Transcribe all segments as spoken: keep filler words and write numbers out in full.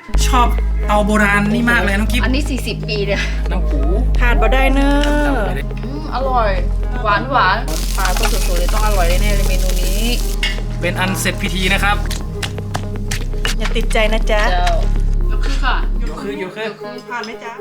ชอบเตาโบราณนี่มากเลยน้องกิ๊บอันนี้สี่สิบปีเลยน้ำปูขาดบ่ได้เนอะอืมอร่อย หวานหวานปลาตัวสดๆเลยต้องอร่อยแน่ๆเลยเมนูนี้เป็นอันเสร็จพิธีนะครับอย่าติดใจนะจ๊ะเจ้ายกขึ้นค่ะยกคือ ยกคือผ่านไหมจ๊ะ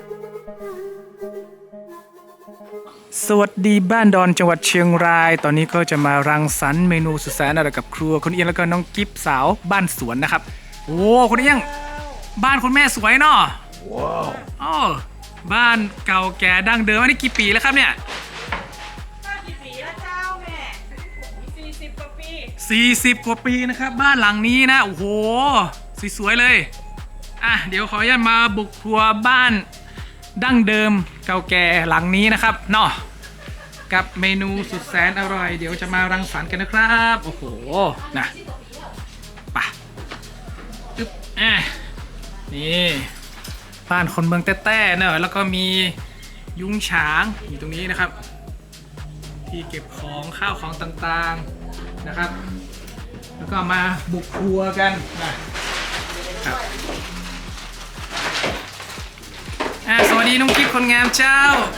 สวัสดีบ้านดอนจังหวัดเชียงราย ตอนนี้ก็จะมารังสรรค์เมนูสุดแสนอร่อยกับครัวคุณเอียงแล้วก็น้องกิฟสาวบ้านสวนนะครับโอ้คุณเอียงบ้านคุณแม่สวยเนาะว้าวอ๋อบ้านเก่าแก่ดั้งเดิมอันนี้กี่ปีแล้วครับเนี่ยกี่ปีแล้วเจ้าแม่สี่สิบกว่าปีสี่สิบกว่าปีนะครับบ้านหลังนี้นะโอ้โหสวยๆเลยอ่ะเดี๋ยวขออนุญาตมาบุกครัวบ้านดั้งเดิมเก่าแก่หลังนี้นะครับเนาะกับเมนูสุดแสนอร่อยเดี๋ยวจะมารังสรรค์กันนะครับโอ้โหนะไปอึ๊บอ่ะนี่บ้านคนเมืองแต้ๆเนอะแล้วก็มียุ้งฉางอยู่ตรงนี้นะครับที่เก็บของข้าวของต่างๆนะครับแล้วก็มาบุกครัวกันนะครับอ่ะสวัสดีน้องกิ๊บคนงามเจ้า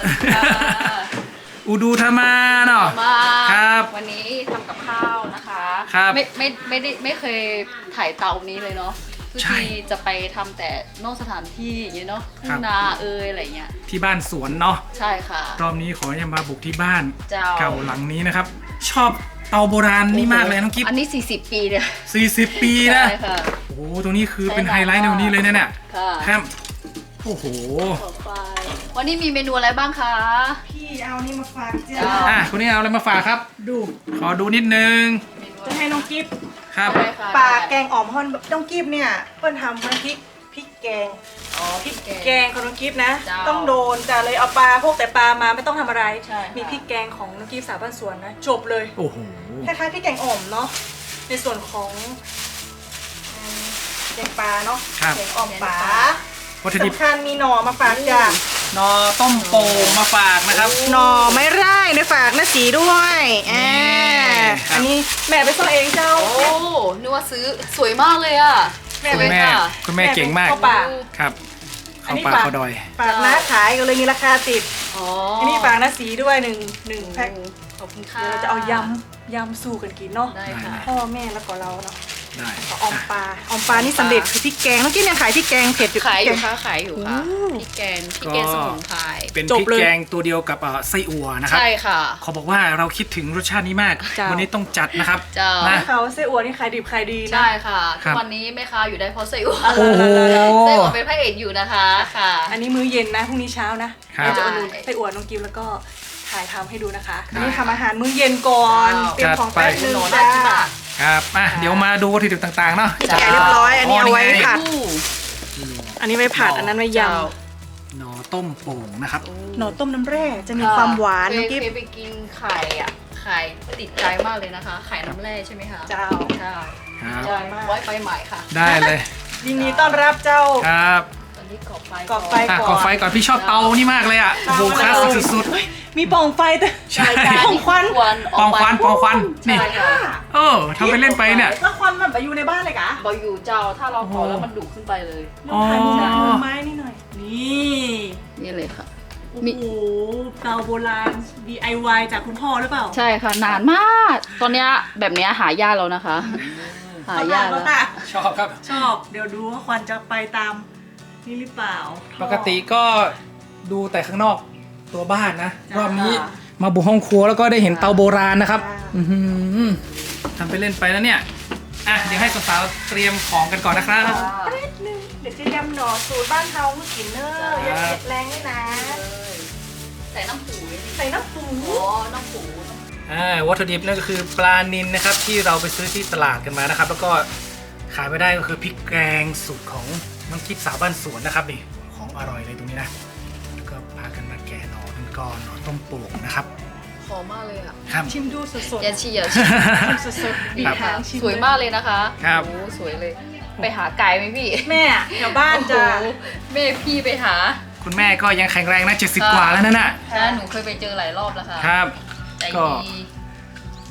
อูดูธรรมาเนาะมาครับวันนี้ทำกับข้าวนะคะครับไม่ไม่ไม่ได้ไม่เคยถ่ายเตานี้เลยเนาะทุกใช่ทีจะไปทำแต่นอกสถานที่อย่างเงี้ยเนาะทุ่ครังบนาเอยอะไรเงี้ยที่บ้านสวนเนาะใช่ค่ะรอบนี้ขอจะมาบุกที่บ้านเจ้าเก่าหลังนี้นะครับ ชอบเตาโบราณนี่มากเลยน้องกิ๊บอันนี้สี่สิบปีเลยสี่สิบปีนะใช่ค่ะโอ้โหตรงนี้คือเป็นไฮไลท์ในวันนี้เลยนะเนี่ยค่ะครับโอ้โหต่อไปวันนี้มีเมนูอะไรบ้างคะพี่เอานี่มาฝากจ้าจ้าอ่ะคุณนี่เอาอะไรมาฝากครับดูขอดูนิดนึงเมนูจะให้น้องกิฟครับได้ค่ะปลาแกได้งอ่อมฮอนน้องกิฟเนี่ยเปิ้ลทำน้ำพริกพริกแกงอ๋อพริกแกแกงงของน้องกิฟนะเจ้าต้องโดนจ้ะเลยเอาปลาพวกแต่ปลามาไม่ต้องทำอะไรใช่ค่ะมีพริกแกงของน้องกิฟสาวบ้านสวนนะจบเลยโอ้โหคล้ายๆพริกแกงอ่อมเนาะในส่วนของอืมแกงปลาเนาะครับแกงอ่อมปลาวัตถุดิบสำคัญมีหน่อมาฝากจ้ะนอต้มโป่งมาฝากนะครับหน่อไม้ไร่ในฝากนะสีด้วยอ่าครับอันนี้แม่ไปซ่อเองเจ้าโอ้นึกว่าซื้อสวยมากเลยอ่ะแม่สคุวยณแม่ค่ะคุณแม่เก่งมากเข้าป่าครับอันเข้านี้ป่าฝากเข้าดอยฝากน้าขายก็เลยมีราคาติดอ๋ออันนี้ฝากน้าสีด้วยหนึ่งหนึ่งแพ็คขอบคุณค่ะเดี๋ยวเราจะเอายำยำสู้กันกินเนาะได้ค่ะพ่อแม่แล้วก็เราเนาะได้ก็ออมปลาออมปลานี่สำเร็จคือพริกแกงเมื่อกี้เนี่ยขายพริกแกงเผ็ดอยู่ขายอยู่พริกแกงค่ะขายอยู่ค่ะโอ้พริกแกงพริกแกงสมุนไพรเป็นจพบริกเลยแกงตัวเดียวกับเอ่อไส้อั่วนะครับใช่ค่ะเขาบอกว่าเราคิดถึงรสชาตินี้มากจ้าวันนี้ต้องจัดนะครับจ้านนะเขาไส้อั่วนี่ขายดิบขายดีนะใช่ค่ะครัทุบกวันนี้แม่ค้าอยู่ได้เพราะไส้อั่วโอ้โหไส้อั่วเป็นพระเอกอยู่นะคะค่ะอันนี้มื้อเย็นนะพรุ่งนี้เช้านะครับ เราจะเอานูนไส้อั่วน้องกิฟแล้วก็ถ่ายทำให้ดูนะคะอันนี้ทำอาหารมื้อเย็นก่อนเตรียมของแป๊บนึงหนูจ้าน่ากินมากครับอ่ะเดี๋ยวมาดูวัตถุดิบต่างๆเนาะจ้าแกะเรียบร้อย อันนี้เอาไว้นี่งผัดอู้อันนี้ไว้ผัดอันนั้นไว้ยเจ้าหน่อต้มโป่งนะครับำหน่อต้มน้ำแร่จะมีความหวานเคน้อย งกิฟเคยไปกินไข่อ่ะไข่ติดใจมากเลยนะคะ ไข่น้ำแร่ใช่ไหมคะเจ้าใช่ครับใช่ไว้ไปใหม่ค่ะได้เลยยินดีต้อนรับเจ้าครับตอนนี้กรอบไฟกรอบไฟอ่ะก่อไฟก่อนพี่ชอบเตานี่มากเลยอ่ะโอ้โหคลาสสิกสุดเฮ้ยมีปล่องไฟแต่ๆใช่ใช่ปองควันปองควันปองควันนี่ใช่ค่ะเออทำไปเล่นไปเนี่ยแล้วควันมันแบบอยู่ในบ้านเลยกะบออยู่เจ้าถ้าเราเผาแล้วมันดุขึ้นไปเลยลองถ่ายมุมอ๋อมุมไม้นี่หน่อย นี่นี่เลยค่ะโอ้มีโหเตาโบราณ ดี ไอ วาย จากคุณพ่อหรือเปล่าใช่ค่ะนานมาก ตอนเนี้ยแบบเนี้ยหายากแล้วนะคะ หายากแล้แล้ว วค่ะชอบครับชอบ เดี๋ยวดูว่าควันจะไปตามนี่หรือเปล่าปกติก็ดูแต่ข้างนอกตัวบ้านนะจ้ารอบนี้มาบุกห้องครัวแล้วก็ได้เห็นเตาโบราณนะครับจ้าอื้อหือทำไปเล่นไปแล้วเนี่ยอ่ะเดี๋ยวให้สาวๆเตรียมของกันก่อนนะครับแป๊บนึงเดี๋ยวจะยำหน่อสูตรบ้านเฮาเมื่อกินเนอร์อย่าเผ็ดแรงด้วยนะใส่น้ำปูนี่ใส่น้ำปูอ๋อน้ำปูอ่าวัตถุดิบนั่นก็คือปลานิลนะครับที่เราไปซื้อที่ตลาดกันมานะครับ แล้วก็ขายไม่ได้ก็คือพริกแกงสูตรของน้องกิ๊บสาวบ้านสวนนะครับนี่ของอร่อยเลยตรงนี้นะแล้วก็พากันมาแกะหน่อกันก่อนหน่อต้มโป่งนะครับหอมมากเลยอ่ะครับชิมดูสดๆอย่าชีอย่าชีชิมสดๆบีบหางชิมสวยมากเลยนะคะครับโอ้สวยเลย ไปหาไก่ไหมพี่แม่แถวบ้านจ้ะโอ้โหแม่พี่ไปหาคุณแม่ก็ยังแข็งแรงนะเจ็ดสิบกว่าแล้วนั่นน่ะนะหนูเคยไปเจอหลายรอบแล้วค่ะครับใจก็ดี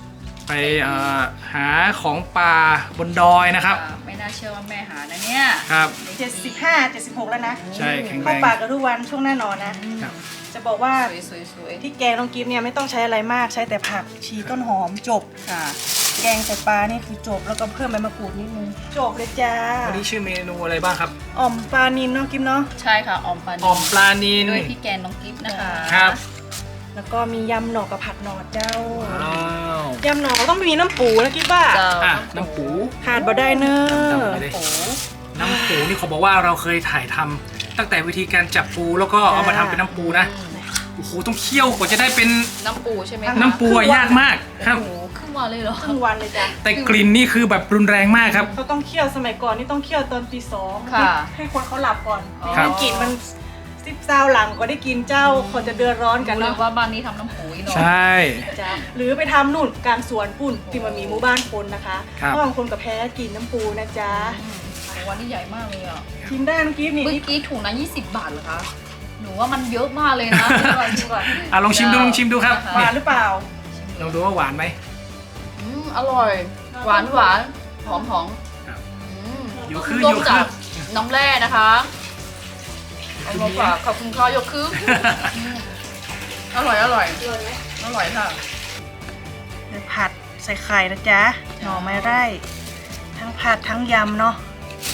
ไปเอ่อหาของป่าบนดอยนะครับอ่าไม่น่าเชื่อว่าแม่หานะเนี่ยครับเจ็ดสิบห้าเจ็ดสิบหกแล้วนะใช่แข็งแรเข้าง ป่ากันทุกวันช่วงหน้านอนนะครับจะบอกว่าสวยสวยสวยที่แกงน้องกิฟเนี่ยไม่ต้องใช้อะไรมากใช้แต่ผักชีต้นหอมจบค่ะแกงใส่ปลานี่คือจบแล้วก็เพิ่มใบมะกรูดนิดนึงจบเลยจ้าวันนี้ชื่อเมนูอะไรบ้างครับอ่อมปลานินเนาะกิฟเนาะใช่ค่ะออมปลาอ่อมปลานิลด้วยพี่แกนน้องกิฟต์นะคะครับแล้วก็มียำหน่อกับผัดหน่อเจ้าว้าวยำหน่อต้องมีน้ำปูนะกิฟว่าเจ้าอ่ะน้ำปูขาดบ่ได้เนอะดำๆไปเลยโอ้โหน้ำปูนี่เขาบอกว่าเราเคยถ่ายทำตั้งแต่วิธีการจับปูแล้วก็เอามาทำเป็นน้ำปูนะโอ้โหต้องเคี่ยวกว่าจะได้เป็นน้ำปูใช่ไหมคะน้ำปูอะยากมากครับโอ้โหครึ่งวันเลยเหรอครึ่งวันเลยจ้ะแต่กลิ่นนี่คือแบบรุนแรงมากครับเขาต้องเคี่ยวสมัยก่อนนี่ต้องเคี่ยวตอนตีสองค่ะให้คนเขาหลับก่อนอ๋อไม่งั้นกลิ่นมันซิบเศร้าหลังก็ได้กินเจ้าคนจะเดือดร้อนกันรู้เลยเนาะว่าบ้านนี้ทำน้ำปูอีกเนาะใช่จ้ะหรือไปทำนู่นกลางสวนปุ่นที่มันมีหมู่บ้านคนนะคะครับเพราะบางคนกับแพ้กินน้ำปูนะจ๊ะอืมโอ้วันนี้ใหญ่มากเลยอ่ะชิมได้น้องกิฟต์นี่เมื่อกี้ถุงละยี่สิบบาทเหรอคะ หนูว่ามันเยอะมากเลยนะชิมก่อนชิมก่อนอ่ะลองชิมดูลองชิมดูครับหวานหรือเปล่าลองดูว่าหวานไหมอืมอร่อย หวานหวานหอมหอมครับอืมอยู่คือต้อมยู่คืจาอกน้ำแร่นะคะเอามาฝากขอบคุณค่ะยกคืออืมอร่อยอร่อยอร่อยค่ะเดี๋ยวผัดใส่ไข่นะจ๊ะหน่อไม้ไร่ทั้งผัดทั้งยำเนาะ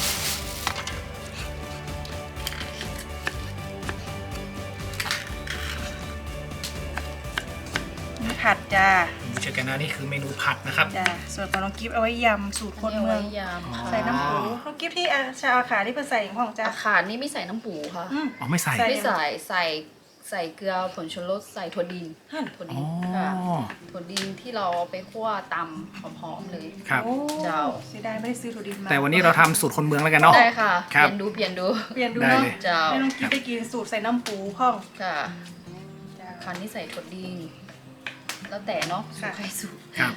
นี่ผัดจ้าเจอกันนะนี่คือเมนูผัดนะครับจ้าส่วนของน้องกิฟต์เอาไว้ยำสูตรคนเมืองาไว้ยำค่ะใส่น้ำปูน้องกิฟต์ที่อาชาวอาขาที่เพิ่นใส่อย่างพ่องจ้าอาคารนี่ไม่ใส่น้ำปูค่ะอืมอ๋อไม่ใส่ใส่ไม่ใส่ใส่ใส่เกลือผงชูรสใส่ถั่วดินหั่นถั่วอ๋ดิอนค่ะถั่วดินที่เราเอาไปคั่วตำหอมๆเลยครับโอ้เจ้าเสียดายไม่ได้ซื้อถั่วดินมาแต่วันนี้เราทำสูตรคนเมืองแล้วกันเนาะได้ค่ะครัเปบลี่ยนดูเปลี่ยนดูเปลี่ยนดูได้เนาะเลยเจ้าให้น้องกิฟต์ได้กินสูตรใส่น้ำปูพ่องค่ะจ้าคันนี้ใส่ถั่วดินแล้วแต่เนาะสูค่ะตรใครสูตรครับ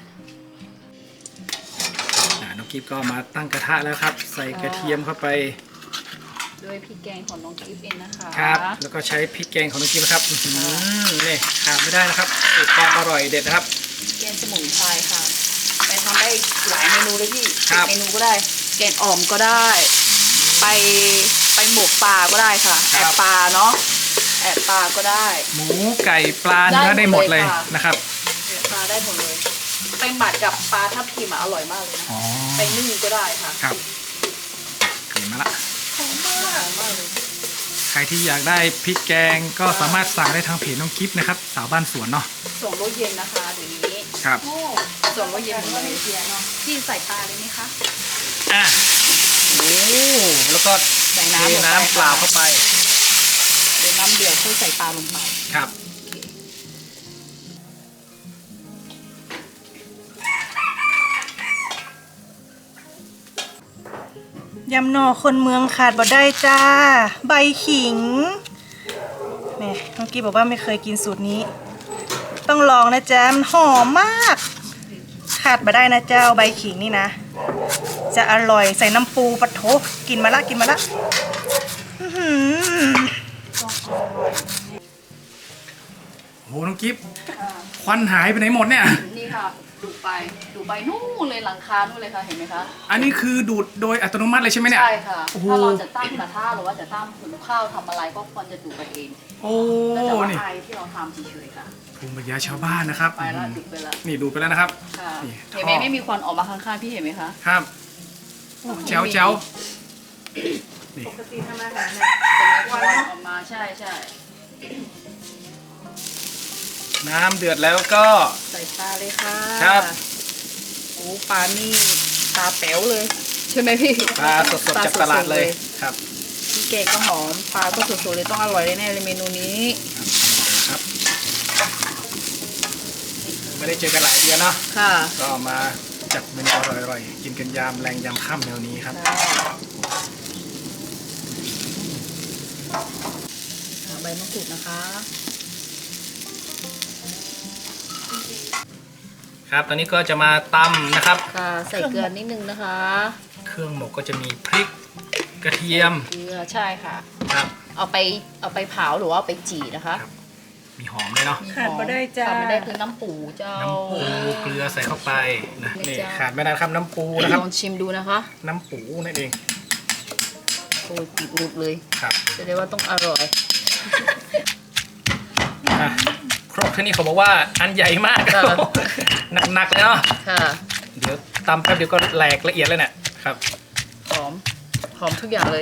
อ่ะน้องกิฟก็มาตั้งกระทะแล้วครับ ใส่กระเทียมเข้าไปด้วยพริกแกงของน้องกิฟเองนะคะครับ แล้วก็ใช้พริกแกงของน้องกิฟนะครับอื้อหือนี่ขาดไม่ได้นะครับสูตรความอร่อยเด็ดนะครับแกงสมุนไพรค่ะไปทำได้หลายเมนูเลยพี่ครับเมนูก็ได้ แกงอ่อมก็ได้ ไปไปหมกปลาก็ได้ค่ะครัแอบบปลาเนาะแอบปลาก็ได้หมูไก่ปลาเนื้อได้หมดเลยได้หมดเลยค่ะนะครับแอบปลาได้หมดเลยไปหมัดกับปลาทับทิมอะอร่อยมากเลยนะอ๋อไปนึ่งก็ได้ค่ะครับเห็นมาละหอมมากหอมมากเลยใครที่อยากได้พริกแกงก็สามารถสั่งได้ทางเพจน้องกิฟนะครับ สาวบ้านสวนเนาะส่งรถเย็นนะคะเดี๋ยวนี้ครับโอ้ส่งรถเย็นมาเลเซียเนาะพี่ใส่ปลาเลยไหมคะอ่ะโอ้แล้วก็ใส่เทน้ำลงไปน้ำเปล่าเข้าไปเดี๋ยวน้ำเดือดค่อยใส่ปลาลงไปครับยำหน่อคนเมืองขาดบ่ได้จ้า ใบขิงแหม่น้องกิฟบอกว่าไม่เคยกินสูตรนี้ ต้องลองนะจ๊ะมันหอมมาก ขาดบ่ได้นะเจ้าใบขิงนี่นะ จะอร่อยใส่น้ำปูปะโถกินมาละกินมาละอื้อหือโหน้องกิฟควันหายไปไหนหมดเนี่ยนี่ค่ะดูไปดูไปนู่นเลยหลังคานู่นเลยค่ะเห็นไหมคะอันนี้คือดูดโดยอัตโนมัติเลยใช่ไหมเนี่ยใช่ค่ะโอ้โหถ้าเราจะตั้งกระทะหรือว่าจะตั้งหุงข้าวทำอะไรก็ควรจะดูไปเองโอ้ก็จะว่านี่ไอที่เราทำเฉยๆค่ะภูมิปัญญาชาวบ้านนะครับไปแล้วดูไปแล้วนี่ดูไปแล้วนะครับค่ะนี่เห็นไหมท่อไม่มีควันออกมาข้างๆพี่เห็นไหมคะครับโอ้แจ๋วแจ๋วนี่ปกติทำอาหารเป็นควันออกมาใช่ใช่น้ำเดือดแล้วก็ใส่ปลาเลยค่ะครับโอ้ปลานี่ตาแป๋วเลย ใช่ไหมพี่ปลาสดๆจากตลาดเลยครับพี่แกงก็หอมปลาก็สดๆเลยต้องอร่อยแน่ๆเลยเมนูนี้ครับ ไม่ได้เจอกันหลายเดือนเนาะค่ะก็มาจัดเมนูอร่อยๆ กินกันยามแรงยามค่ำแนวนี้ครับใบมะกรูดนะคะครับ ตอนนี้ก็จะมาตำนะครับค่ะใส่เกลือนิดนึงนะคะเครื่องหมกก็จะมีพริกกระเทียมเกลือใช่ค่ะครับเอาไปเอาไปเผาหรือว่าเอาไปจี่นะคะครับมีหอมด้วยเนาะมีหอมขาดบ่ได้จ้าขาดไม่ได้คือน้ำปูเจ้าน้ำปูเกลือใส่เข้าไปนะนี่นี่จ้ะขาดไม่ได้ครับน้ำปูนะครับลองชิมดูนะคะน้ำปูนั่นเองโอ้ยติดหลุดเลยครับจะได้ว่าต้องอร่อยอ่ะครกที่นี่เขาบอกว่าอันใหญ่มากค่ะหนักๆเลยเนาะค่ะเดี๋ยวตำแป๊บเดียวก็แหลกละเอียดเลยเนี่ยครับหอม หอมทุกอย่างเลย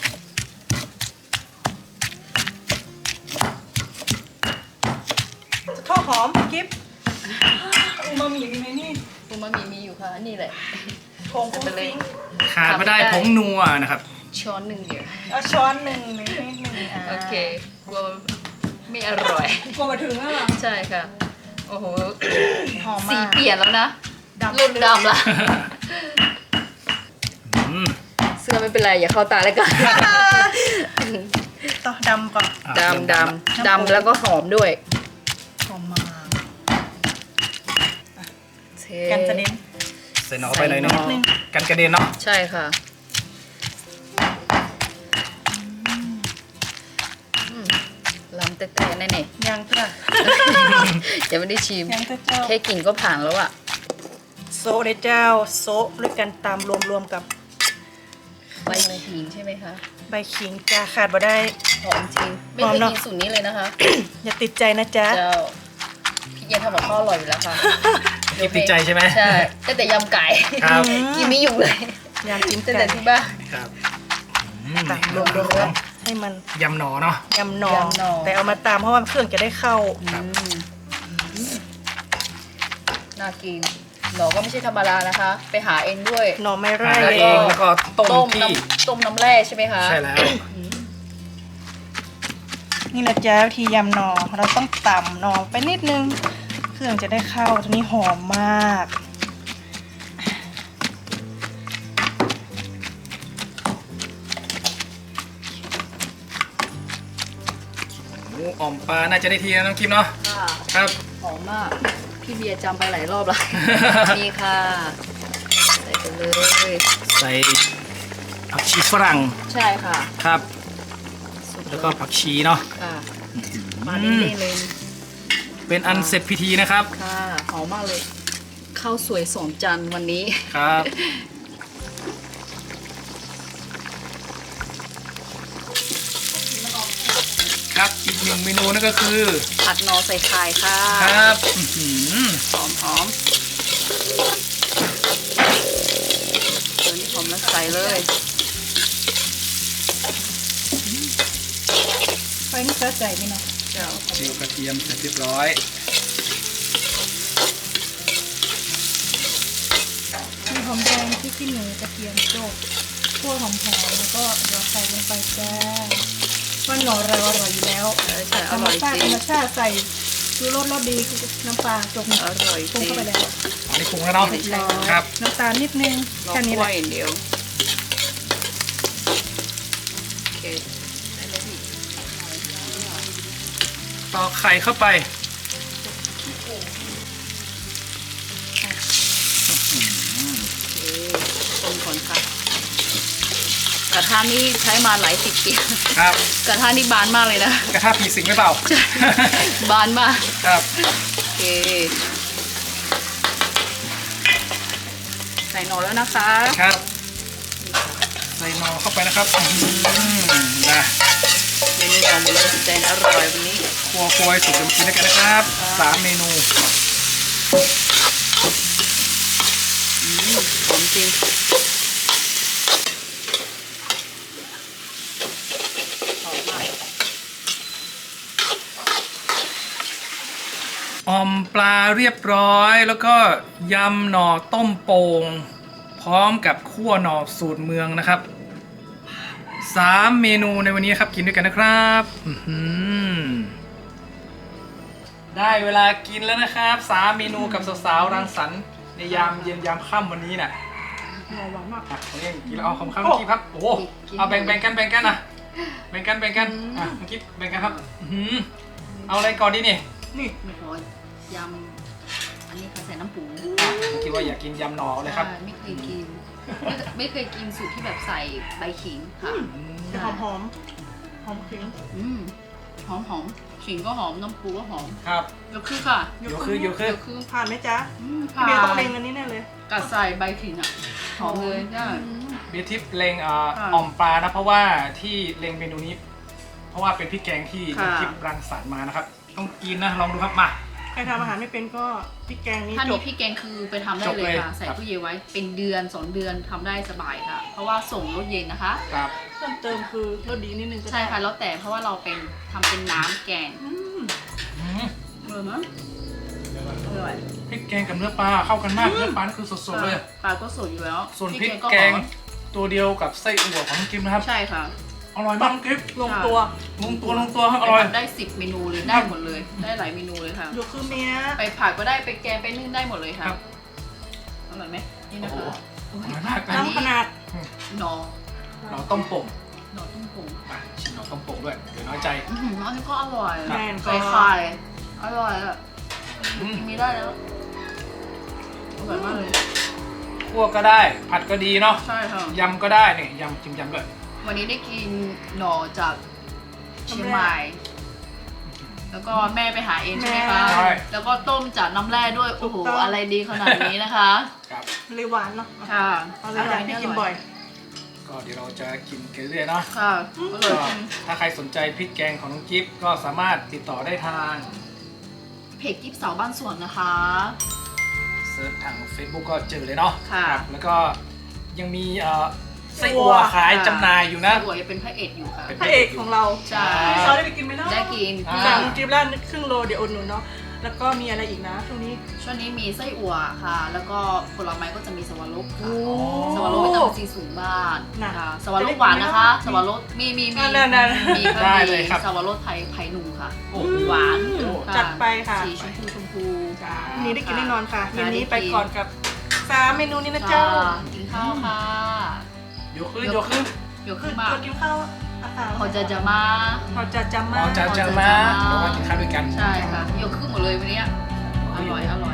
ข้าวหอมกิฟอูมามิมีไหมนี่ปูมามีมีอยู่ค่ะ นี่แหละผงจะไปเลยขาดไม่ได้ผงนัวนะครับช้อนหนึ่งเดียวเอาช้อนหนึ่งหนึ่งนิดหนึ่งอ่าโอเคกลัวไม่อร่อยกลัวมาถึงแล้วเหรอใช่ค่ะ โอ้โหหอมสีมากเปลี่ยนแล้วนะดำรุ่นดำละอืมเสื้อไม่เป็นไร อย่าเข้าตาแล้วกันต่อดำก่อนอ่ะดำดน้ำำปูดำแล้วก็หอมด้วยหอมมากเทกันจะเน้นใส่หนอไปหน่อยนึงใส่หน่อกันกระเด็นเนาะใช่ค่ะอืมลำแต่แต่แน่ยังจ้ะๆยังไม่ได้ชิมยังจะเจ้าแค่กลิ่นก็ผ่านแล้วอะโซะเลยเจ้าโซะด้วยกันตามรวมๆกับใบขิงใช่ไหมคะใบขิงจ้าขาดบ่ได้หอมจริง ไม่หอเคมยเนอะกินสูตรนี้เลยนะคะอย่าติดใจนะจ๊ะเจ้า พี่เย็นทำกับข้าวอร่อยอยู่แล้วค่ะคิดติดใจใช่ไหมใช่ตั้งแต่ยำไก่ครับกินไม่อยู่เลยอยากกินตั้งไก่แต่ที่บ้านครับอืมตามรวมๆแล้วให้มันยำหนอเนาะยำหนองแต่เอามาตามเพราะว่าเครื่องจะได้เข้าครับอืมน่ากินหนอก็ไม่ใช่ธรรมดานะคะ ไปหาเองด้วยหน่อไม้ไร่หาแล้วเองแล้วก็ต้มต้มที่น้ำต้มน้ำแร่ใช่ไหมคะใช่แล้วนี่แหละจ้าวิธียำหนอเราต้องต่ำหนอไปนิดนึงเครื่องจะได้เข้าตัวนี้หอมมากหมูอ่อมปลาน่าจะได้ทีนะน้องคิมเนาะค่ะครับหอมมาก พี่เบียร์จำไปหลายรอบแล้ว นี่ค่ะ ใส่ไปเลยใส่ผักชีฝรั่งใช่ค่ะครับสุดแล้วก็ผักชีเนาะค่ะมาเล่นๆเลยเป็นอันเสร็จพิธีนะครับค่ะหอมมากเลยข้าวสวยสองจานวันนี้ครับ ครับอีกหนึ่งเมนูนั่นก็คือผัดหนอใส่ไข่ค่ะครับอื้อหือหอมหอมเดี๋ยวนี้หอมแล้วใส่เลยไฟนี่เข้าใจไหมเนาะเจ้าจิวกระเทียมเสร็จเรียบร้อยมีหอมแดงที่ขี้หนูกระเทียมโจกคั่วหอมๆแล้วก็เดี๋ยวใส่ลงไปจ้าว่าหน่อเราอร่อยอยู่แล้วใช่ใช่อธรรมร่อยชาติจธริรง รมชาติใส่ชูรสรสดีคือน้ำปลาจกอร่อยปรุงจริงเข้าไปแล้วอันนี้ปรุงแล้วเนาะเสร็จแล้วครับน้ำตาลนิดนึงลองแค่นี้กแหล้ละวยอย่างเดียวโอเคได้เลยพี่ตอกไข่เข้าไปโอเคต้มก่อนค่ะกระทะนี่ใช้มาหลายสิบปีครับกระทะนี่บานมากเลยนะกระทะผีสิงหรือเปล่าบานมากครับโอเค ใส่หนอแล้วนะคะครับ ใส่หนอเข้าไปนะครับอื้อหือนะเมนูหนอหมดเลยแสนอร่อยวันนี้ครัวครัวให้สุกเดี๋ยวมากินด้วยกันนะครับสามเมนูอืมหอมจริงหอมมากอ่อมปลาเรียบร้อยแล้วก็ยำหน่อต้มโป่งพร้อมกับคั่วหน่อสูตรเมืองนะครับสามเมนูในวันนี้ครับกินด้วยกันนะครับอื้อหือได้เวลากินแล้วนะครับสามเมนูกับสาวๆรังสรรค์ในยามเย็นยามค่ำวันนี้น่ะหอมหวานมากอ่ะตรงนี้กินแล้วเอาคำข้าวเมื่อกี้ครับโอ้โหเอาแบ่งแบ่งกันแบ่งกันนะแบ่งกันแบ่งกันอ่ะเมื่อกี้แบ่งกันครับอื้อหือเอาอะไรก่อนดีนี่นี่ไม่ขอยำอันนี้ค่ะใส่น้ำปูเมื่อกี้ว่าอยากกินยำหน่อเลยครับใช่ไม่เคยกิน ไม่ไม่เคยกินสูตรที่แบบใส่ใบขิงค่ะจะหอมหอมหอมขิงอืมหอมหอมขิงก็หอมน้ำปูก็หอมครับยกคือค่ะโยคือโยคือคือผ่านไหมจ๊ะอืมพี่เบียร์ต้องเล็งอันนี้แน่เลยกัดใส่ใบขิงอ่ะหอมเลยใช่เบียร์ทิพย์เลงเอ่อค่ะอ่อมปลานะเพราะว่าที่เลงเมนูนี้ เพราะว่าเป็นพริกแกงที่ค่ะเบียร์ทิพย์รังสรรค์มานะครับต้องกินนะลองดูครับมาใครทำอาหารไม่เป็นก็พริกแกงนี้ถ้าจมีบพี่แกงคือไปทำได้จบเลยเลยค่ะ ใส่ครับตู้เย็นไว้เป็นเดือนสองเดือนทำได้สบายค่ะ เพราะว่าส่งรถเย็นนะคะครับเพิ่มเติมคือรสดีนิดนึงก็ได้ใช่ค่ะแล้วแต่เพราะว่าเราเป็นทำเป็นน้ำแกงอืมอืมเออมั้งอร่อยพริกแกงกับเนื้อปลาเข้ากันมากเนื้อปลานี่คือสดๆเลยปลาก็สดอยู่แล้วส่วนพริกก็แกงหอมตัวเดียวกับไส้อั่วของน้องกิมนะครับใช่ค่ะอร่อยมากน้องกิมลงตัวลงตัวลงตัวครับอร่อยทำได้สิบเมนูเลยได้หมดเลย ได้หลายเมนูเลยค่ะโยคือเมียไปผัดก็ได้ไปแกงไปนึ่งได้หมดเลยค่ะครับอร่อยไหมนี่โอ้นะโหคะอร่อยมากอันะนนี้น้ำขนาดหนอเราต้มโป่งหนอต้มผงอ่ะชิมเราต้มโป่งด้วยเดี๋ยวน้อยใจอื้อหืออันนี้ก็อร่อยแน่นก็ใส่ไข่อร่อยอ่ะอืมกินไม่ได้แล้วอร่อยมากเลยคั่วก็ได้ ผัดก็ดีเนาะใช่ค่ะยำก็ได้เนี่ยยำจิ้มยำด้วยวันนี้ได้กินหน่อจากเชียงใหม่ แล้วก็แม่ไปหาเองใช่ไหมคะใช่แล้วก็ต้มจากน้ำแร่ด้วย โอ้โห อะไรดีขนาดนี้นะคะครับเลยหวานเนาะค่ะเอาเลยอยากให้กินบ่อยก็เดี๋ยวเราจะกินกันเรื่อยๆเนาะค่ะอร่ก็อยถ้าใครสนใจพริกแกงของน้องกิฟก็สามารถติดต่อได้ทางเพจกิ๊บสาวบ้านสวนนะคะเซิร์ชทาง Facebook ก็เจอเลยเนาะค่ะครับแล้วก็ยังมีเอ่อไส้อั่วขายจำหน่ายอยู่นะไส้อั่วยังเป็นพระเอกอยู่ค่ะเป็นพระเอกของเราใช่พี่ซอได้ไปกินไหมเนาะได้กินอ่าสั่งจิบล้านครึ่งโลเดี๋ยวอุดหนุนเนาะ แล้วก็มีอะไรอีกนะช่วงนี้ช่วงนี้มีไส้อั่วค่ะ แล้วก็ผลไม้ก็จะมีสวรสค่ะโอ้สวรสวิตามินซีสูงมากน่ะค่ะสวรสหวานนะคะ สวรสมีมีมีนั่นๆมีได้เลยครับสวรสไผ่ไผ่หนุ่มค่ะโอ้โหหวานอืมค่ะจัดไปค่ะสีชมพูชมพูจ้าวันนี้ได้กินแน่นอนค่ะได้เย็นนี้ได้กินไปก่อนกับสามเมนูนี้นะค่ะเจ้ากินข้าวค่ะโยคือโยคือเดี๋ยวคืขึ้อนมาตัวกินข้าวอาหารเขาจะจะมาเขาจะจำอ๋มาอจะจะมาเดี๋ยวมากินข้าวด้วยกันใช่ค่ะยกขึ้นหมดเลยวันเนี้ยอร่อยอร่อย